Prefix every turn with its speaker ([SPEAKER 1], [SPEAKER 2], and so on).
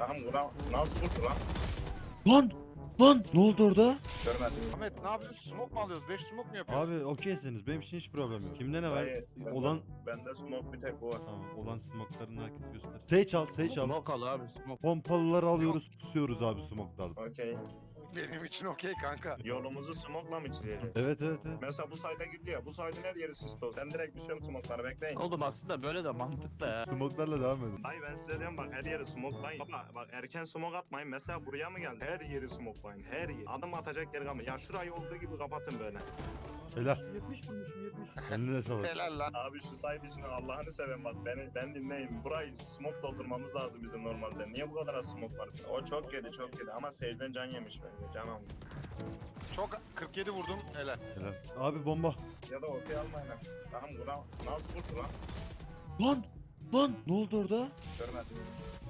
[SPEAKER 1] Tamam buna nasıl vurdu lan?
[SPEAKER 2] Lan! Lan! Ne oldu orada?
[SPEAKER 1] Görmedim.
[SPEAKER 3] Ahmet ne yapıyorsun? Smoke mu alıyoruz? 5 smoke mu yapıyoruz?
[SPEAKER 2] Abi okeyseniz benim için hiç problem yok. Kimde ne var?
[SPEAKER 1] Dayı,
[SPEAKER 2] Olan...
[SPEAKER 1] bende smoke bir tek bu var.
[SPEAKER 2] Tamam, olan smoke'larını herkes göster. Sage al, Sage al.
[SPEAKER 4] Smoke al abi smoke.
[SPEAKER 2] Pompalıları alıyoruz, pusuyoruz abi smoke'larda.
[SPEAKER 1] Okey.
[SPEAKER 3] Benim için okey kanka.
[SPEAKER 1] Yolumuzu smoke'la mı çizelim?
[SPEAKER 2] Evet, evet, evet.
[SPEAKER 1] Mesela bu sayda gidiyor ya. Bu saydın her yeri sis dolu. Sen direkt düşüyorum smoke'lara bekleyin.
[SPEAKER 4] Oğlum aslında böyle de mantıklı ya.
[SPEAKER 2] Smoke'larla devam edin.
[SPEAKER 1] Dayı ben size diyorum bak her yeri smoke'layın. Baba bak erken smoke atmayın. Mesela buraya mı geldi? Her yeri smoke'layın. Her yeri. Adım atacak yer kalmıyor. Ya şurayı olduğu gibi kapatın böyle.
[SPEAKER 2] Helal.
[SPEAKER 5] 70 vurmuşum 70.
[SPEAKER 2] Eline sağlık.
[SPEAKER 3] Helal lan.
[SPEAKER 1] Abi şu saydı işini Allah'ını seven bak ben dinleyin. Burayı smoke doldurmamız lazım bizim normalde. Niye bu kadar az smoke var? O çok yedi çok yedi ama Sage'den can yemiş bence. Can almış.
[SPEAKER 3] Çok 47 vurdum. Helal.
[SPEAKER 2] Helal. Abi bomba.
[SPEAKER 1] Ya da okey almayın. Tamam buna nasıl vurdu lan?
[SPEAKER 2] Lan! Lan! Ne oldu orada?
[SPEAKER 1] Görmedim.